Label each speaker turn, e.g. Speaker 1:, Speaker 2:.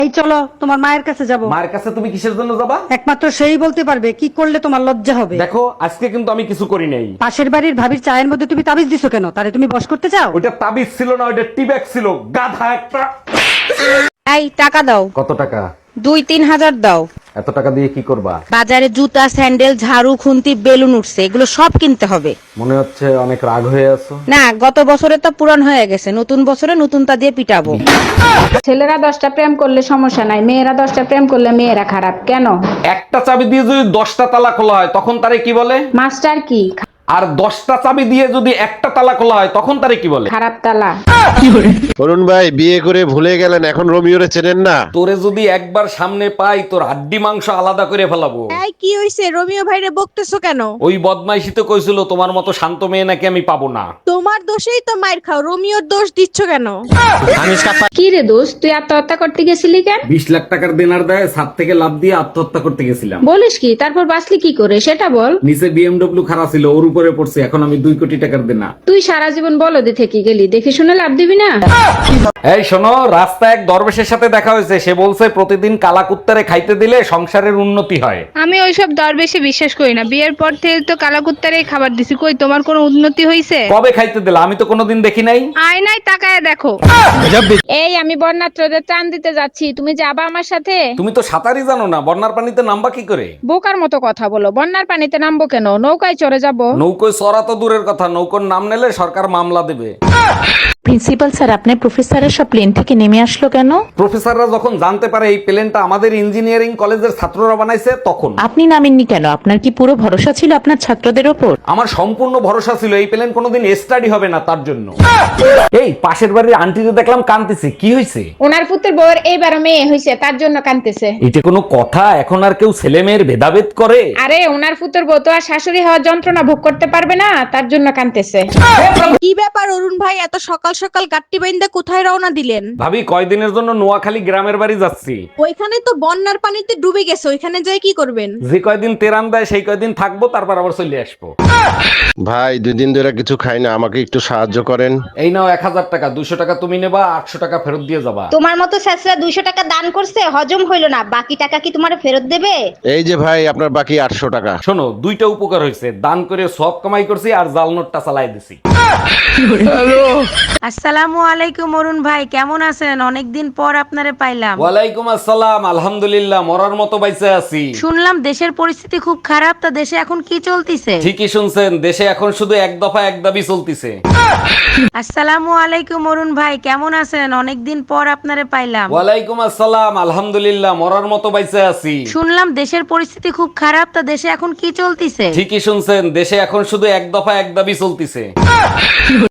Speaker 1: এই চলো তোমার মায়ের কাছে যাব।
Speaker 2: মায়ের কাছে তুমি কিসের জন্য যাবা?
Speaker 1: একমাত্র সেই বলতে পারবে কি করলে তোমার লজ্জা হবে।
Speaker 2: দেখো আজকে কিন্তু আমি কিছু করি নাই।
Speaker 1: পাশের বাড়ির ভাবির চায়ের মধ্যে তুমি তাবিজ দিছো কেন? তারে তুমি বশ করতে চাও?
Speaker 2: ওইটা তাবিজ ছিল না, ওইটা টিব্যাগ ছিল, গাধা একটা।
Speaker 3: এই টাকা দাও।
Speaker 2: কত টাকা?
Speaker 3: 2-3 হাজার দাও।
Speaker 2: এত টাকা দিয়ে কি করবা?
Speaker 3: বাজারে জুতা, স্যান্ডেল, ঝাড়ু, খুন্তি, বেলুন উঠছে, এগুলো সব কিনতে হবে।
Speaker 2: মনে হচ্ছে অনেক রাগ হয়ে আছো।
Speaker 3: না, গত বছরে তো পুরান হয়ে গেছে, নতুন বছরে নতুনটা দিয়ে পিটাবো।
Speaker 4: ছেলেরা 10টা প্রেম করলে সমস্যা নাই, মেয়েরা 10টা প্রেম করলে মেয়েরা খারাপ কেন?
Speaker 2: একটা চাবি দিয়ে যদি 10টা তালা খোলা হয় তখন তারে কি বলে?
Speaker 4: মাস্টার কি?
Speaker 2: আর 10টা চাবি দিয়ে যদি একটা তালা খোলা হয় তখন তারে কি বলে?
Speaker 4: খারাপ তালা।
Speaker 5: অরুণ ভাই বিয়ে করে ভুলে গেলেন, এখন রোমিওরে চেনেন না?
Speaker 2: তোরে যদি একবার সামনে পাই তোর হাড্ডি মাংস আলাদা করে ফেলাবো।
Speaker 6: এই কি হইছে? রোমিও ভাইরে বকতেছো কেন?
Speaker 2: ওই বদমাইশি তো কইছিল তোমার মতো শান্ত মেয়ে নাকি আমি পাবো না।
Speaker 6: তোমার দোষেই তো মাইর খাও, রোমিওর দোষ দিচ্ছ কেন?
Speaker 4: কি রে দোস্ত, তুই আত্মহত্যা করতে গেছিলি কেন?
Speaker 2: 20 লাখ টাকার দেনার দেয় ছাদ থেকে লাফ দিয়ে আত্মহত্যা করতে গেছিলাম।
Speaker 4: বলিস কি? তারপর বাঁচলি কি করে সেটা বল।
Speaker 2: নিচে বিএমডব্লিউ খারাপ ছিল, ওর উপরে পড়ছে, এখন আমি 2 কোটি টাকার দেনা।
Speaker 4: তুই সারা জীবন বলদে থেকে গেলি, দেখে শুনে লাভ দিবি না।
Speaker 2: এই শোনো, রাস্তায় এক দরবেশের সাথে দেখা হয়েছে, সে বলছে প্রতিদিন কালা কুত্তারে খাইতে দিলে সংসারের উন্নতি হয়।
Speaker 7: আমি ওইসব দরবেশে বিশ্বাস করি না। বিয়ের পর থেকে তো কালাকুত্তারেই খাবার দিছি, কই তোমার কোনো উন্নতি হইছে?
Speaker 2: কবে খাইতে দিলে? আমি তো কোনোদিন দেখি নাই।
Speaker 7: আয়নায় তাকায় দেখো।
Speaker 4: এই আমি বন্যাত্রদের ত্রাণ দিতে যাচ্ছি, তুমি যাবা আমার সাথে?
Speaker 2: তুমি তো সাঁতারই জানো না, বন্যার পানিতে নামবা কি করে?
Speaker 4: বোকার মতো কথা বলো, বন্যার পানিতে নামবো কেন? নৌকায় চড়ে যাবো।
Speaker 2: নৌকোয় চড়া তো দূরের কথা, নৌকোর নাম নিলে সরকার মামলা দেবে।
Speaker 8: প্রিন্সিপাল স্যার, আপনার প্রফেসরের সব প্লেন থেকে নেমে আসলো কেন?
Speaker 2: প্রফেসররা যখন জানতে পারে এই প্লেনটা আমাদের ইঞ্জিনিয়ারিং কলেজের ছাত্ররা বানাইছে তখন।
Speaker 8: আপনি নামেননি কেন? আপনার কি পুরো ভরসা ছিল আপনার ছাত্রদের ওপর?
Speaker 2: আমার সম্পূর্ণ ভরসা ছিল এই প্লেন কোনোদিন স্টাডি হবে না, তার জন্য। এই পাশের বাড়ির আন্টিকে দেখলাম কাঁদতেছে, কি হয়েছে?
Speaker 4: ওনার পুত্রের বউয়ের এইবার মেয়ে হয়েছে, তার জন্য কাঁদতেছে।
Speaker 2: এটা কোনো কথা? এখন আর কেউ ছেলে মেয়ের ভেদাভেদ করে?
Speaker 4: আরে ওনার পুত্রের বউ তো আর শাশুড়ি হওয়ার যন্ত্রণা ভোগ করতে পারবে না, তার জন্য কাঁদতেছে।
Speaker 6: কি ব্যাপার অরুণ ভাই, এত সকাল সকাল গাট্টি বাইন্দা কোথায় রওনা দিলেন?
Speaker 2: ভাবি কয়দিনের জন্য নোয়াখালী গ্রামের বাড়ি যাচ্ছি।
Speaker 6: ওইখানে তো বন্যার পানিতে ডুবে গেছে, ওইখানে যাই কি করবেন?
Speaker 2: যে কয়দিন তেরান দেয় সেই কয়দিন থাকবো, তারপর আবার চলে আসবো।
Speaker 5: ভাই 2 দিন ধরে কিছু খাই না, আমাকে একটু সাহায্য করেন।
Speaker 2: এই নাও 1000 টাকা, 200 টাকা তুমি নেবা, 800 টাকা ফেরত দিয়ে যাবা।
Speaker 9: তোমার মতো স্যাসরা 200 টাকা দান করছে, হজম হইল না, বাকি টাকা কি তোমার ফেরত দেবে?
Speaker 5: এই যে ভাই আপনার বাকি 800 টাকা।
Speaker 2: শোনো, 2টা উপকার হয়েছে, দান করে সব কামাই করছি আর জাল নোটটা চালাই দিছি।
Speaker 3: আসসালামু আলাইকুম অরুণ ভাই, কেমন আছেন? অনেকদিন পর আপনারে পাইলাম।
Speaker 2: ওয়ালাইকুম আসসালাম, আলহামদুলিল্লাহ, মরার মতো বাইসে আছি।
Speaker 3: শুনলাম দেশের পরিস্থিতি খুব খারাপ, তা দেশে এখন কি চলতিছে?
Speaker 2: ঠিকই শুনছেন, দেশে এখন শুধু এক দফা এক দাবি চলতিছে।
Speaker 3: আসসালামু আলাইকুম অরুণ ভাই, কেমন আছেন? অনেকদিন পর আপনারে পাইলাম।
Speaker 2: ওয়ালাইকুম আসসালাম, আলহামদুলিল্লাহ, মরার মতো বাইসে আছি।
Speaker 3: শুনলাম দেশের পরিস্থিতি খুব খারাপ, তা দেশে এখন কি চলতিছে?
Speaker 2: ঠিকই শুনছেন, দেশে এখন শুধু এক দফা এক দাবি চলতিছে।